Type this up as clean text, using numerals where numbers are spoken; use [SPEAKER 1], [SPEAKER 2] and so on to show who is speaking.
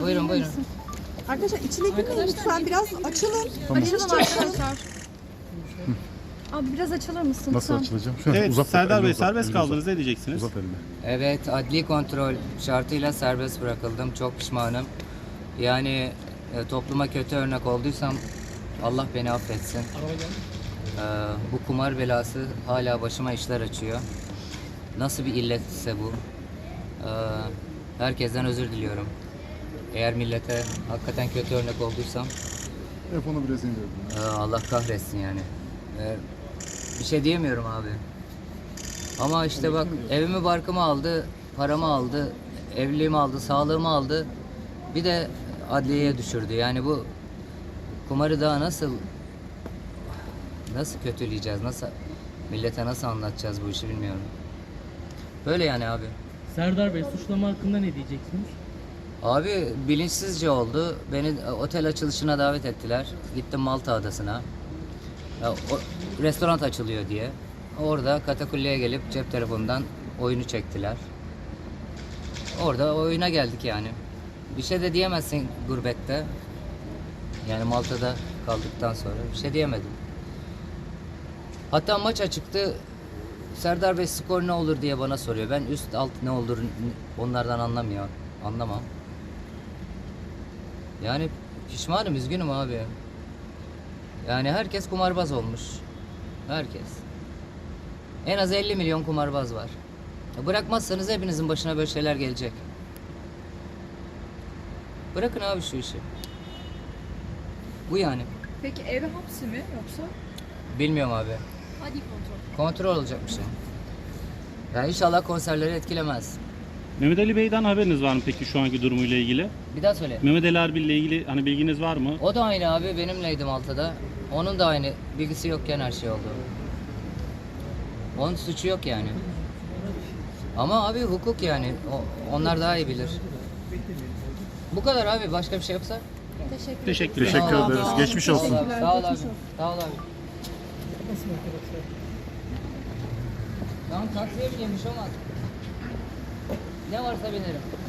[SPEAKER 1] Buyurun buyurun.
[SPEAKER 2] Arkadaşlar içine girmeyin lütfen, biraz açılın.
[SPEAKER 3] Açalım arkadaşlar. Abi biraz açılır mısın?
[SPEAKER 4] Nasıl
[SPEAKER 3] lütfen?
[SPEAKER 4] açılacağım? Şöyle
[SPEAKER 5] Evet,
[SPEAKER 4] uzat,
[SPEAKER 5] Serdar
[SPEAKER 4] elini
[SPEAKER 5] Bey
[SPEAKER 4] uzat,
[SPEAKER 5] serbest
[SPEAKER 4] elini uzat.
[SPEAKER 5] kaldınız. Ne diyeceksiniz?
[SPEAKER 4] Uzat elini.
[SPEAKER 1] Evet, adli kontrol şartıyla serbest bırakıldım. Çok pişmanım. Yani topluma kötü örnek olduysam Allah beni affetsin. Bu kumar belası hala başıma işler açıyor. Nasıl bir illetse bu. Herkesten özür diliyorum. Eğer millete hakikaten kötü örnek olduysam
[SPEAKER 4] Telefonu biraz indirdim.
[SPEAKER 1] Allah kahretsin yani. Bir şey diyemiyorum abi. Ama işte bak, evimi barkımı aldı, paramı aldı, evliliğimi aldı, sağlığımı aldı. Bir de adliyeye düşürdü. Yani bu kumarı daha nasıl kötüleyeceğiz, nasıl millete nasıl anlatacağız bu işi bilmiyorum. Böyle yani abi.
[SPEAKER 6] Serdar Bey suçlama hakkında ne diyeceksiniz?
[SPEAKER 1] Abi bilinçsizce oldu. Beni otel açılışına davet ettiler. Gittim Malta Adası'na. Restoran açılıyor diye. Orada katakulliye gelip cep telefonundan oyunu çektiler. Orada oyuna geldik yani. Bir şey de diyemezsin gurbette. Yani Malta'da kaldıktan sonra bir şey diyemedim. Hatta maç açıktı. Serdar Bey skor ne olur diye bana soruyor. Ben üst alt ne olur onlardan anlamam. Yani pişmanım, üzgünüm abi. Yani herkes kumarbaz olmuş. Herkes. En az 50 milyon kumarbaz var. Bırakmazsanız hepinizin başına böyle şeyler gelecek. Bırakın abi şu işi. Bu yani.
[SPEAKER 3] Peki eve hapsi mi yoksa?
[SPEAKER 1] Bilmiyorum abi.
[SPEAKER 3] Hadi kontrol.
[SPEAKER 1] Kontrol olacak bir şey. Ya inşallah konserleri etkilemez.
[SPEAKER 5] Mehmet Ali Bey'den haberiniz var mı peki şu anki durumuyla ilgili?
[SPEAKER 1] Bir daha söyle.
[SPEAKER 5] Mehmet Ali Erbil ile ilgili hani bilginiz var mı?
[SPEAKER 1] O da aynı abi, benimleydi Malta'da. Onun da aynı, bilgisi yokken her şey oldu. Onun suçu yok yani. Ama abi hukuk yani, onlar daha iyi bilir. Bu kadar abi, başka bir şey yoksa?
[SPEAKER 5] Teşekkür ederim.
[SPEAKER 4] Teşekkür
[SPEAKER 1] Sağ ol
[SPEAKER 4] ederiz.
[SPEAKER 1] abi.
[SPEAKER 4] Geçmiş olsun.
[SPEAKER 1] Sağ ol abi. Sağ ol abi. Sağ ol abi. Tamam, taksiye bineyim, bir şey olmaz. Ne varsa binerim.